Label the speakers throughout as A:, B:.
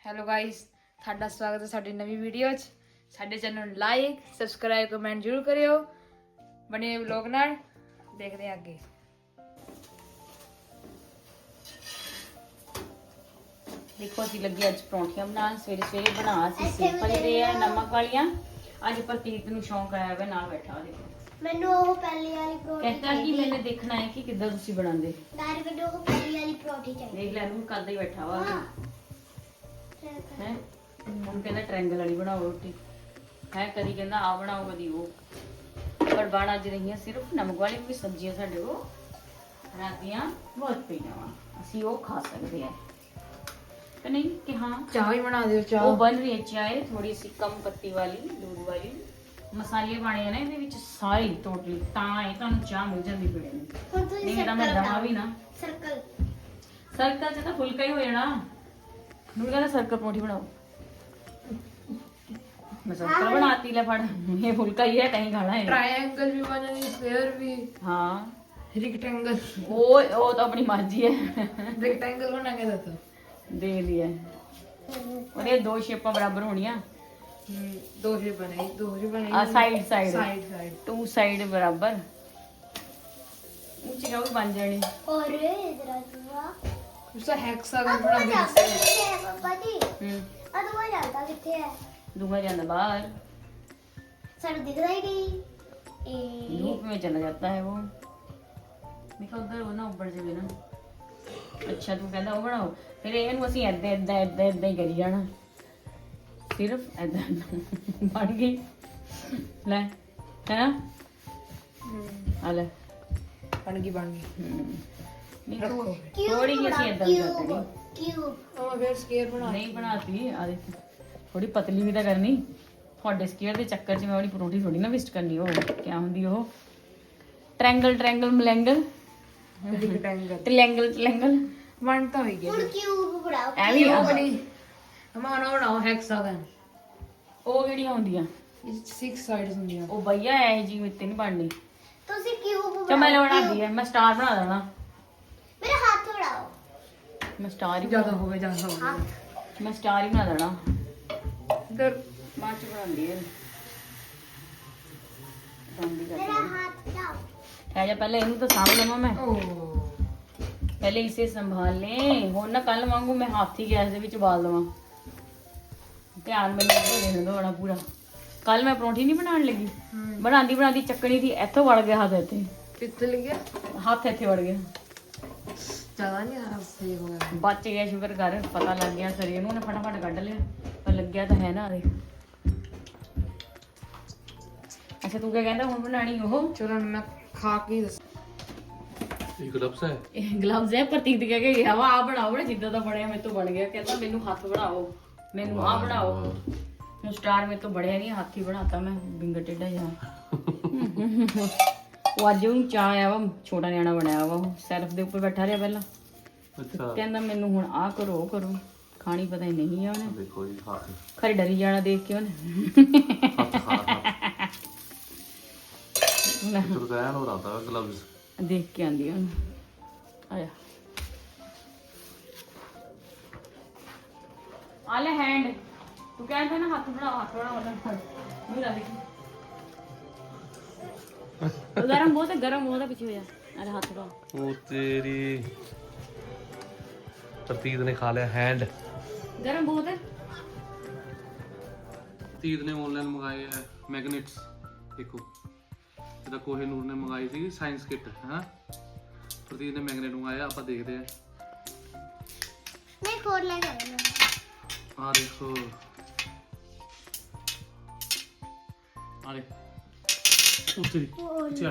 A: Hello guys, ਤੁਹਾਡਾ ਸਵਾਗਤ ਹੈ ਸਾਡੀ ਨਵੀਂ ਵੀਡੀਓ 'ਚ। ਸਾਡੇ ਚੈਨਲ ਨੂੰ ਲਾਈਕ, ਸਬਸਕ੍ਰਾਈਬ, ਕਮੈਂਟ ਜ਼ਰੂਰ ਕਰਿਓ। ਬਣੇ ਵਲੌਗ ਨਾਲ ਦੇਖਦੇ ਹਾਂ ਅੱਗੇ।
B: देखो ਅਸੀਂ ਲੱਗੇ ਅੱਜ ਪਰੌਂਠੀਆਂ ਬਣਾਉਣ। ਸਵੇਰੇ ਬਣਾ ਸੀ ਸਿੰਪਲ ਜਿਹੇ ਆ ਨਮਕ ਵਾਲੀਆਂ। ਅੱਜ ਪ੍ਰਤੀਕ ਨੂੰ ਸ਼ੌਂਕ ਆਇਆ ਵੇ ਨਾਲ ਬੈਠਾ ਦੇਖੋ।
C: ਮੈਨੂੰ ਉਹ ਪਹਿਲੀ ਵਾਲੀ ਪਰੌਂਠੀ
B: ਕਹਿੰਦਾ ਕਿ ਮੈਨੇ ਦੇਖਣਾ ਹੈ ਕਿ ਕਿੱਦਾਂ ਤੁਸੀਂ ਬਣਾਉਂਦੇ।
C: ਦਾਰ ਮੈਨੂੰ ਉਹ ਪਹਿਲੀ ਵਾਲੀ ਪਰੌਂਠੀ ਚਾਹੀਦੀ।
B: ਦੇਖ ਲੈ ਨੂੰ ਕਰਦਾ ਹੀ ਬੈਠਾ ਵਾ
C: ਹਾਂ
B: ਹੈ। ਹੁਣ ਕਹਿੰਦਾ ਟ੍ਰਾਇੰਗਲ ਵਾਲੀ ਬਣਾਓ ਰੋਟੀ ਹੈ। ਕਦੀ ਕਹਿੰਦਾ ਆ ਬਣਾਓ ਕਦੀ ਉਹ। ਪਰ ਬਣ ਅੱਜ ਰਹੀਆਂ ਸਿਰਫ ਨਮਕ ਵਾਲੀ ਵੀ ਸਬਜ਼ੀਆਂ ਸਾਡੇ ਕੋਲ ਰਾਤੀਆਂ ਬਹੁਤ ਪਈਆਂ ਵਾ। ਅਸੀਂ ਉਹ ਖਾ ਸਕਦੇ ਆ कि नहीं कि हाँ
A: ਚਾਹ ਹੀ ਬਣਾ ਦਿਓ। ਚਾਹ
B: वो बन रही है चाय थोड़ी सी कम पत्ती वाली दूध वाली मसाले पाने हैं ना ਇਹਦੇ ਵਿੱਚ ਸਾਰੇ ਟੋਟਲੀ ਤਾਂ ਇਹ ਤੁਹਾਨੂੰ ਚਾਹ ਮਿਲ ਜਾਂਦੀ ਪੀਣੇ ਨੂੰ।
C: ਹੁਣ ਤੁਸੀਂ
B: ਨਹੀਂ ਤਾਂ ਮੈਂ ਦਵਾਂ ਵੀ ਨਾ
C: ਸਰਕਲ
B: ਸਰਕਲ ਚ ਤਾਂ ਫੁਲਕਾ ਹੀ ਹੋ ਜਾਣਾ। ਨੂੰ ਕਹਿੰਦਾ ਸਰਕਲ ਪਰੌਂਠੀ ਬਣਾਓ। ਮੈਂ ਸਰਕਲ ਬਣਾਤੀ ਲੈ ਫੜ ਇਹ ਫੁਲਕਾ ਹੀ ਹੈ ਕहीं ਖਾਣਾ है।
A: ट्रायंगल भी बनेगी, स्क्वायर भी,
B: हाँ
A: रेक्टेंगल।
B: वो तो अपनी मर्जी है।
A: रेक्टेंगल बना के देता
B: दे दिया और ये दो शेपां बराबर होनियां।
A: दो ही बनेगी, दो ही बनेगी।
B: Side side
A: side
B: to side बराबर ऊंची का भी बन जानी।
C: और इधर दुआ
A: उसका हेक्सागन
C: दुआ
A: बना
C: जाता
A: के
C: किथे है पापा जी? दुआ जाता किथे है?
B: दूंगा जाना बाहर
C: सानू दिखदा ही नहीं।
B: धूप में चला जाता है वो। देखो उधर वो ना ऊपर से भी ना। अच्छा तू कहता वो बनाओ फिर ਇਹਨੂੰ ਅਸੀਂ ਐਦਾਂ ਹੀ ਕਰੀ ਜਾਣਾ। ਸਿਰਫ ਐਦਾਂ ਬਣ ਗਈ ਲੈ ਹੈ ਨਾ। ਆ ਲੈ
A: बन गई।
B: ਨਹੀਂ
A: रखो।
B: ਥੋੜੀ ਜਿਹੀ ਅਸੀਂ ਐਦਾਂ ਕਰਨੀ।
C: क्यूब
A: और फिर स्क्वायर बना
B: ਨਹੀਂ ਬਣਾਤੀ ਆ ਦੇਖ ਥੋੜੀ ਪਤਲੀ ਵੀ ਤਾਂ ਕਰਨੀ। ਤੁਹਾਡੇ ਸਕੇਅਰ ਦੇ ਚੱਕਰ 'ਚ ਮੈਂ ਆਪਣੀ ਪਰੌਂਠੀ ਥੋੜੀ ਨਾ ਵੇਸਟ ਕਰਨੀ। ਉਹ ਕਿਆ ਹੁੰਦੀ ਉਹ ਟ੍ਰਾਇੰਗਲ ਮਲੈਂਗਲ
A: रेक्टेंगल
B: ਟ੍ਰਾਇੰਗਲ
A: बनता हो गया।
C: ਹੁਣ क्यूब ਬਣਾਓ।
B: ਐਵੇਂ
A: वो बनी हमारा बनाओ हेक्सागन।
B: ਉਹ ਕਿਹੜੀਆਂ ਹੁੰਦੀਆਂ
A: 6 साइड्स होंगी।
B: ਉਹ ਭਈਆ ਐ ਜੀ ਮਿੱਤੇ ਨਹੀਂ ਬਣਨੀ।
C: ਤੁਸੀਂ क्यूब
B: ਚਾ ਮੈਂ ਬਣਾਉਂਦੀ ਐ। ਮੈਂ ਸਟਾਰ ਬਣਾ ਦੇਣਾ।
C: ਮੇਰੇ ਹੱਥ ਉਡਾਓ।
B: ਮੈਂ ਸਟਾਰ ਹੀ
A: ज्यादा हो गया
C: ਹੱਥ
B: ਮੈਂ ਸਟਾਰ ਹੀ ਬਣਾ ਦੇਣਾ।
A: इधर
B: ਬਾਅਦ ਚ ਬਣਾਉਂਦੀ ਐ।
C: ਮੇਰਾ ਹੱਥ ਉਡਾਓ।
B: ਠਹਿ ਜਾ ਪਹਿਲੇ ਇਹਨੂੰ ਤਾਂ ਸਾਂਭ ਲਵਾਂ ਮੈਂ।
A: ओ
B: ਪਹਿਲੇ ਇਸੇ ਸੰਭਾਲ ਲੈ। ਹੁਣ ਨਾ ਕੱਲ ਵਾਂਗੂ ਮੈਂ ਹੱਥ ਹੀ ਗੈਸ ਦੇ ਵਿੱਚ ਉਬਾਲ ਦਵਾਂ। ਧਿਆਨ ਮੈਨੂੰ ਦੇਣ ਦੋ ਬੜਾ ਪੂਰਾ। ਕੱਲ ਮੈਂ ਪਰੌਂਠੀ ਨਹੀਂ ਬਣਾਉਣ ਲੱਗੀ। ਬਣਾਉਂਦੀ ਚੱਕਣੀ ਦੀ ਇੱਥੋਂ ਵੜ ਗਿਆ ਹੱਥ ਇੱਥੇ।
A: कितने लग गया?
B: ਹੱਥ ਇੱਥੇ ਵੜ ਗਿਆ।
A: ज्यादा नहीं आ रहा, सही हो गया।
B: ਬਚ ਗਿਆ ਸ਼ੁਕਰ ਕਰ। ਪਤਾ ਲੱਗ ਗਿਆ ਸਰੀਰ ਨੂੰ। ਉਹਨੇ ਫਟਾਫਟ ਕੱਢ ਲਿਆ ਪਰ ਲੱਗਿਆ ਤਾਂ ਹੈ ਨਾ। ਦੇਖ ਅੱਛਾ ਤੂੰ ਕਿਆ ਕਹਿੰਦਾ ਹੁਣ ਬਣਾਣੀ ਉਹ
A: चलो मैं खा के दस।
D: ਇਹ ਗਲਵਸ ਹੈ।
B: ਇਹ ਗਲਵਜ਼ ਹੈ। ਪ੍ਰਤੀਕ ਕਹਿ ਕੇ ਗਿਆ ਵਾ ਆ ਬਣਾਓ ਨਾ ਜਿੱਦਾਂ ਦਾ ਬਣਿਆ ਮੇਰੇ ਤੋਂ ਬਣ ਗਿਆ। ਕਹਿੰਦਾ ਮੈਨੂੰ ਹੱਥ ਬਣਾਓ, ਮੈਨੂੰ ਆ ਬਣਾਓ। ਹੁਣ ਸਟਾਰ ਮੇਰੇ ਤੋਂ ਬਣਿਆ ਨਹੀਂ। ਹੱਥ ਹੀ ਬਣਾਤਾ ਮੈਂ ਬਿੰਗਾ ਟੇਡਾ ਜਿਹਾ। ਉਹ ਅੱਜ ਉਹਨੂੰ ਚਾਹ ਆਇਆ ਵਾ। ਛੋਟਾ ਨਿਆਣਾ ਬਣਿਆ ਵਾ। ਉਹ ਸੈਲਫ ਦੇ ਉੱਪਰ ਬੈਠਾ ਰਿਹਾ ਪਹਿਲਾਂ।
D: ਅੱਛਾ
B: ਕਹਿੰਦਾ ਮੈਨੂੰ ਹੁਣ ਆ ਕਰੋ ਉਹ ਕਰੋ। ਖਾਣੀ ਪਤਾ ਹੀ ਨਹੀਂ ਆ ਉਹਨੇ।
D: ਦੇਖੋ ਜੀ ਹੱਥ
B: ਖਰੇ ਡਰੀ ਜਾਣਾ ਦੇਖ ਕੇ ਉਹਨੇ।
D: ਤੂੰ ਕਹਿਣ ਹੋ ਰਹਾ ਗਲਵਸ
B: ਦੇਖ ਕੇ ਆਂਦੀ ਉਹਨੂੰ। ਆਇਆ ਆ ਲੈ ਹੈਂਡ। ਤੂੰ ਕਹਿੰਦਾ ਨਾ ਹੱਥ ਬਣਾ ਮੈਨੂੰ ਲਾ ਦੇਖੀ। ਗਰਮ ਬਹੁਤ ਹੈ ਪਿੱਛੇ ਹੋ ਜਾ। ਅਰੇ ਹੱਥ ਬਣਾ।
D: ਉਹ ਤੇਰੀ ਪ੍ਰਤੀਤ ਨੇ ਖਾ ਲਿਆ ਹੈਂਡ।
B: ਗਰਮ ਬਹੁਤ ਹੈ।
D: ਪ੍ਰਤੀਤ ਨੇ ਆਨਲਾਈਨ ਮੰਗਾਏ ਹੈ ਮੈਗਨੇਟਸ। ਦੇਖੋ ਇਹਦਾ ਕੋਹੇਨੂਰ ਨੇ ਮੰਗਾਈ ਸੀ ਸਾਇੰਸ ਕਿੱਟ ਹੈ। ਪ੍ਰਤੀਤ ਨੇ ਮੈਗਨੇਟ ਮੰਗਾਇਆ। ਆਪਾਂ ਦੇਖਦੇ ਆ।
C: ਮੈਂ ਖੋਲ ਲੈ ਗਿਆ।
D: ਆ ਦੇਖੋ ਆ ਲੈ ਉਹ ਤੇਰੀ ਚੱਲ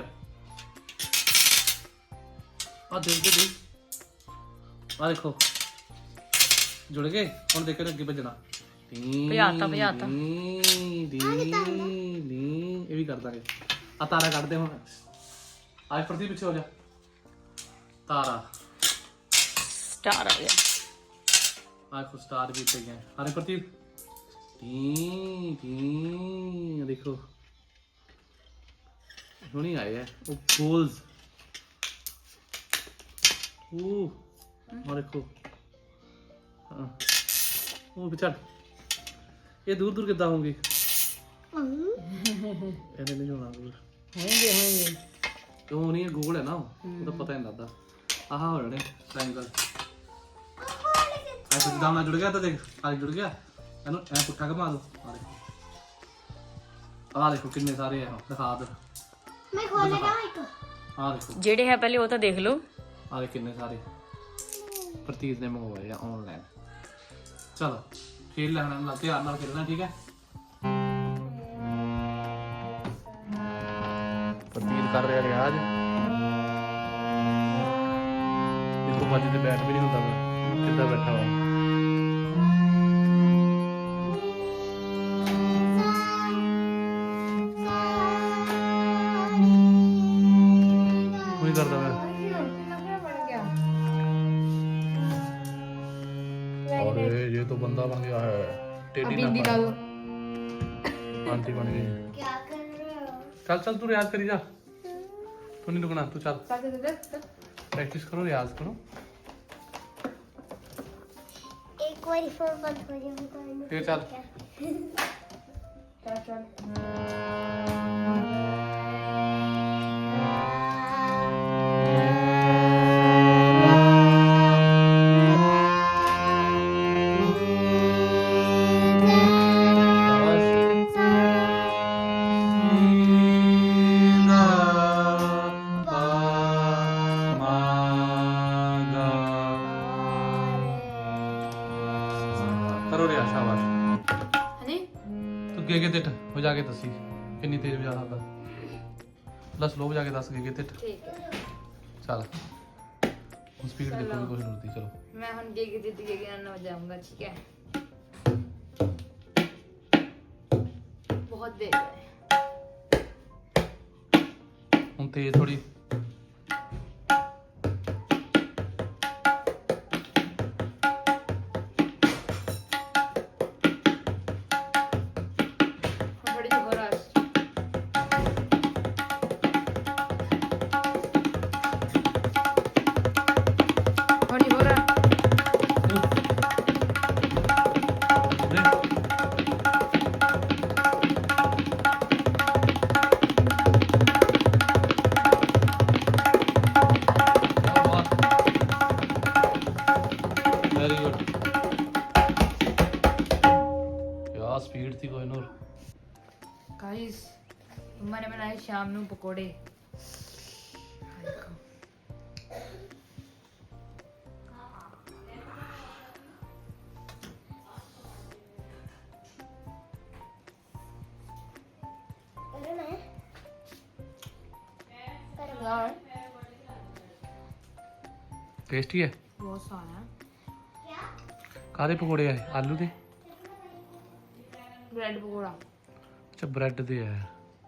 D: ਆ ਦੇ ਆ ਦੇਖੋ ਜੁੜ ਗਏ। ਹੁਣ ਦੇਖੋ ਅੱਗੇ ਭੱਜਣਾ।
B: ਭਜਾਤਾ
D: ਇਹ ਵੀ ਕਰ ਦਾਂਗੇ। ਆ ਤਾਰਾ ਕੱਢ ਦੇ ਹੁਣ। ਅੱਜ ਪ੍ਰਤੀ ਪਿੱਛੇ ਹੋ ਜਾ। ਤਾਰਾ
B: ਸਟਾਰ ਆ ਗਿਆ।
D: ਆ ਕੋ ਸਟਾਰ ਵੀ ਤੇ ਗਿਆ। ਹਰੇ ਪ੍ਰਤੀ ਦੇਖੋ ਹੁਣੀ ਆਏ ਹੈ ਉਹ गोल्स। ਉਹ देखो ਉਹ ਵਿਚਾਰ ਇਹ ਦੂਰ ਦੂਰ ਕਿੱਦਾਂ ਹੋਊਗੀ ਇਹਨੇ ਨਹੀਂ ਹੋਣਾ ਦੂਰ
B: ਹੋਣਗੇ
D: ਉਹ ਨਹੀਂ ਗੋਲ ਹੈ ਨਾ ਉਹਦਾ ਪਤਾ ਨਹੀਂ ਲੱਗਦਾ ਆਹ ਹੋ ਰਹੇ ਟ੍ਰਾਇੰਗਲ ਐਸੇ ਜਿੱਦਾਂ ਨਾਲ ਜੁੜ ਗਿਆ ਤਾਂ ਦੇਖ ਆਲੇ ਜੁੜ ਗਿਆ ਇਹਨੂੰ ਐ ਪੁੱਠਾ ਘੁਮਾ ਦੋ ਆਹ ਦੇਖੋ ਕਿੰਨੇ ਸਾਰੇ ਆ ਦਿਖਾ ਦੇ
C: ਮੈਂ ਖੋਲ ਲਗਾ ਇੱਕ
D: ਆਹ ਦੇਖੋ
B: ਜਿਹੜੇ ਹੈ ਪਹਿਲੇ ਉਹ ਤਾਂ ਦੇਖ ਲਓ
D: ਆਹ ਦੇ ਕਿੰਨੇ ਸਾਰੇ ਪ੍ਰਤੀਤ ਨੇ ਮੰਗਵਾਏ ਆ ਆਨਲਾਈਨ ਚਲੋ ਖੇਡ ਲੈਣਾ ਨਾਲ ਧਿਆਨ ਨਾਲ ਖੇਡਣਾ ਠੀਕ ਹੈ ਪ੍ਰਤੀਤ ਕਰ ਰਿਹਾ ਰਿਆਜ਼ ਦੇਖੋ ਬਾਜੀ ਤੇ ਬੈਠ ਵੀ ਨਹੀਂ ਹੁੰਦਾ ਮੈਂ ਕਿੱਦਾਂ ਬੈਠਾ ਵਾ ਕੋਈ ਕਰਦਾ ਮੈਂ और ये तो बंदा बन गया है टेढ़ी ना
A: ला दो
D: आंटी बन गई
C: क्या कर रहे हो
D: चल चल तू रियाज करी जा तू नहीं रुकना तू चल प्रैक्टिस करो रियाज करो
C: एक बार फोन बंद हो जाएगा
D: फिर चल करो रियाज शाबाश
A: ਹਾਂਜੀ
D: तू गे तिठ हो जाके दसी कितनी तेज बजा सकता दस लोग जाके दस गे तिठ
A: ਠੀਕ ਹੈ
D: चल स्पीड देखो भी कुछ नहीं होती चलो
A: मैं ਹੁਣ गे जिद गे ना जाऊंगा ठीक है बहुत देर है
D: हम तेज थोड़ी
A: थोड़ी सी और आज थोड़ी हो रहा
D: वेरी गुड क्या स्पीड थी कोई नूर
A: गाइस मम्मा ने बनाए शाम ਨੂੰ ਪਕੌੜੇ
C: करना है
A: यार
D: टेस्टी है
A: बहुत सारा
D: कादे पकौड़े है आलू दे
A: ब्रेड पकौड़ा
D: अच्छा ब्रेड दे है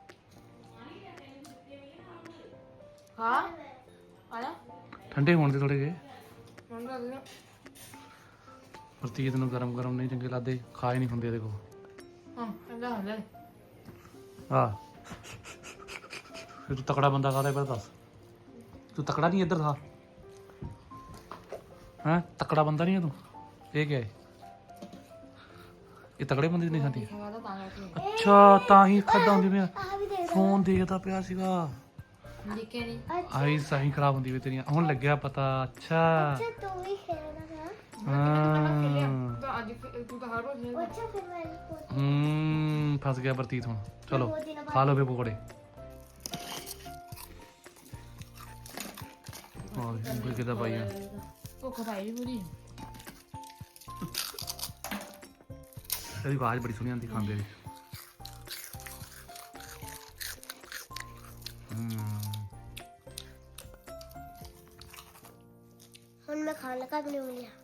A: हाँ आया
D: ठंडे होने दे थोड़े जे
A: मन लग गया
D: प्रतीत ਨੂੰ ਗਰਮ ਗਰਮ ਨਹੀਂ ਚੰਗੇ ਲੱਗਦੇ ਖਾ ਹੀ ਨਹੀਂ ਹੁੰਦੇ ਦੇਖੋ
A: हां ऐसा हो जाए
D: ਆ ਫਿਰ ਤੂੰ ਤਕੜਾ ਬੰਦਾ ਕਾਹਦਾ ਪਰ ਦੱਸ ਤੂੰ ਤਕੜਾ ਨਹੀਂ ਇੱਧਰ ਥਾ ਹਾਂ ਤਕੜਾ ਬੰਦਾ ਨਹੀਂ ਹੈ ਤੂੰ ਇਹ ਕੀ ਹੈ ਇਹ ਤਕੜੇ ਬੰਦੇ ਦੀ ਨਹੀਂ ਖਾਂਦੀ
A: खावा तो तांगा के
D: ਅੱਛਾ ਤਾਂ ਹੀ ਖਾਦਾ ਹੁੰਦੀ ਮੈਂ
C: आ भी दे
D: ਫੋਨ ਦੇਖਦਾ ਪਿਆ ਸੀਗਾ
A: दिखे नहीं
D: ਆਈ ਸਾਈ ਖਰਾਬ ਹੁੰਦੀ ਵੀ ਤੇਰੀਆਂ ਹੁਣ ਲੱਗਿਆ ਪਤਾ ਅੱਛਾ
C: अच्छा तू भी खेलना था
D: ਹਾਂ
A: तो आज तू तो हर रोज खेलता
C: अच्छा फिर मैं
D: ਫਸ ਗਿਆ ਪ੍ਰਤੀਤ ਹੁਣ ਚਲੋ ਖਾ ਲਓ ਫੇ ਪਕੌੜੇ ਹੋਰ ਕੋਈ ਕਿਦਾ ਪਾਈ ਆ
A: भूख पाई पूरी
D: ਇਹਦੀ ਆਵਾਜ਼ ਬੜੀ ਸੋਹਣੀ ਆਉਂਦੀ ਖਾਂਦੇ ਦੀ
C: ਹੁਣ ਮੈਂ ਖਾਣ ਲੱਗਾ ਵੀ ਨਹੀਂ ਲਿਆ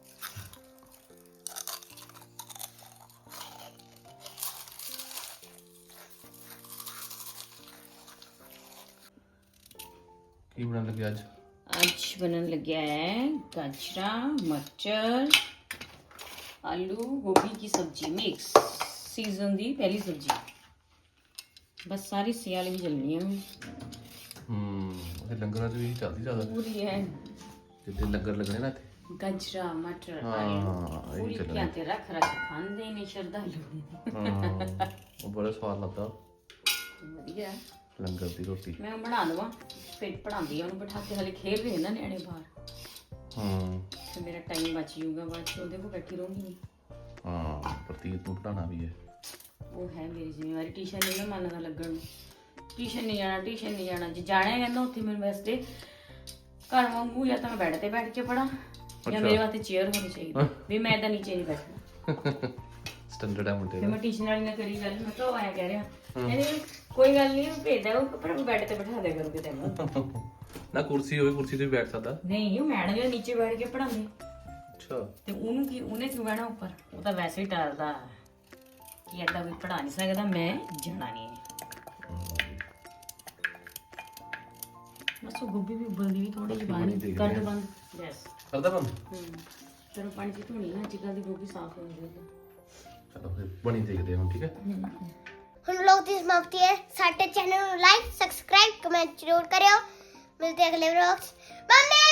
D: ਕੀ ਬਣਾਉਣ ਲੱਗੇ ਅੱਜ
B: ਅੱਜ ਬਣਨ ਲੱਗਿਆ ਹੈ ਗਾਜਰਾ ਮਟਰ आलू गोभी की सब्जी मिक्स सीजन दी पहली सब्जी बस सारी सियाल भी चलनी है
D: ਇਹ ਲੰਗਰਾਂ 'ਚ ਵੀ ਚੱਲਦੀ ਜ਼ਿਆਦਾ
B: पूरी है
D: ਜਿੱਦੇ ਲੰਗਰ ਲੱਗਣੇ ਨਾ ਇੱਥੇ
B: ਗਜਰਾ ਮਟਰ
D: ਹਾਂ,
B: ਆਲੂ
D: ਇਹ
B: ਪੂਰੀ
D: ਚੱਲਣਾ।
B: ਕਿਆ ਤੇ ਰੱਖ ਰੱਖ ਖਾਂਦੇ ਨੇ ਸ਼ਰਧਾਲੂ
D: ਹਾਂ ਉਹ ਬੜਾ ਸਵਾਦ ਲੱਗਦਾ
B: ਵਧੀਆ
D: ਲੰਗਰ ਦੀ ਰੋਟੀ।
B: ਮੈਂ ਬਣਾ ਦਵਾਂ ਫਿਰ ਪੜਾਉਂਦੀ ਆ ਉਹਨੂੰ ਬਿਠਾ ਕੇ, ਹਲੇ ਖੇਡ ਰਹੇ ਨਾ ਨਿਆਣੇ ਬਾਹਰ,
D: ਹਾਂ
B: ਤੇ ਮੇਰਾ ਟਾਈਮ ਬਚ ਜਾਊਗਾ, ਬਾਅਦ ਚ ਉਹਦੇ ਕੋਲ ਬੈਠੀ ਰਹੂੰਗੀ।
D: ਹਾਂ ਪ੍ਰਤੀਤ ਨੂੰ ਪੜਾਉਣਾ ਵੀ ਹੈ।
B: ਉਹ ਹੈ ਮੇਰੀ ਜ਼ਿੰਮੇਵਾਰੀ। ਟਿਊਸ਼ਨ ਨਹੀਂ ਨਾ ਮੰਨਦਾ ਲੱਗਣ ਨੂੰ, ਟਿਊਸ਼ਨ ਨਹੀਂ ਜਾਣਾ, ਟਿਊਸ਼ਨ ਨਹੀਂ ਜਾਣਾ। ਜੇ ਜਾਣਾ ਹੈ ਕਹਿੰਦਾ ਉੱਥੇ ਮੇਰੇ ਵਾਸਤੇ ਘਰ ਵਾਂਗੂ ਜਾਂ ਤਾਂ ਮੈਂ ਬੈੱਡ ਤੇ ਬੈਠ ਕੇ ਪੜਾਂ ਜਾਂ ਮੇਰੇ ਵਾਸਤੇ ਚੇਅਰ ਹੋਣੀ ਚਾਹੀਦੀ ਵੀ ਮੈਂ ਤਾਂ ਨੀਚੇ ਨਹੀਂ ਬੈਠਣਾ।
D: ਸਟੈਂਡਰਡ ਹੈ ਮੁੰਡੇ
B: ਫਿਰ
D: ਦਾ।
B: ਮੈਂ ਟਿਊਸ਼ਨ ਵਾਲੀ ਨਾਲ ਕਰੀ ਗੱਲ, ਮੈਂ ਕਿਹਾ ਉਹ ਆਇਆ ਕਹਿ ਰਿਹਾ ਕਹਿੰਦੀ ਕੋਈ ਗੱਲ ਨਹੀਂ ਭੇਜਦਾ ਉਹ, ਪਰ ਬੈੱਡ ਤੇ ਬਿਠਾ ਦਿਆ ਕਰੂਗੇ ਤੈਨੂੰ।
D: ਨਾ ਕੁਰਸੀ ਹੋਵੇ, ਕੁਰਸੀ ਤੇ ਵੀ ਬੈਠ ਸਕਦਾ।
B: ਨਹੀਂ ਉਹ ਮੈਡਮ ਜਿਹੜਾ ਨੀਚੇ ਬੈਠ ਕੇ ਪੜਾਉਂਦੇ
D: ਅੱਛਾ
B: ਤੇ ਉਹਨੂੰ ਕੀ, ਉਹਨੇ ਕਿਉਂ ਬਹਿਣਾ ਉੱਪਰ? ਉਹ ਤਾਂ ਵੈਸੇ ਹੀ ਡਰਦਾ ਕਿ ਏਦਾਂ ਕੋਈ ਪੜਾ ਨਹੀਂ ਸਕਦਾ, ਮੈਂ ਜਾਣਾ ਨਹੀਂ ਹੈ। ਬਸ ਉਹ ਗੋਭੀ ਵੀ ਉਬਲਦੀ ਵੀ ਥੋੜੀ ਜਿਹੀ ਪਾਣੀ ਕਰ ਦੋ ਬੰਦ। ਯੈਸ
D: ਕਰਦਾ ਬੰਦ।
B: ਚਲੋ ਪਾਣੀ ਚ ਧੋਣੀ ਨਾ, ਅੱਜ ਕੱਲ੍ਹ ਦੀ ਗੋਭੀ ਸਾਫ਼ ਹੋ ਜਾਂਦੀ ਹੈ।
D: ਚਲੋ ਫਿਰ ਬਣੀ ਦੇਖਦੇ ਹਾਂ ਹੁਣ, ਠੀਕ ਹੈ।
C: ਹੁਣ ਲੋਕ ਦੀ ਸਮਾਪਤੀ ਹੈ। ਸਾਡੇ ਚੈਨਲ ਨੂੰ ਲਾਈਕ ਸਬਸਕ੍ਰਾਈਬ ਕਮੈਂਟ ਜ਼ਰੂਰ ਕਰਿਓ। ਮਿਲਦੇ ਅਗਲੇ ਵਲੌਗਸ। ਬਾਏ।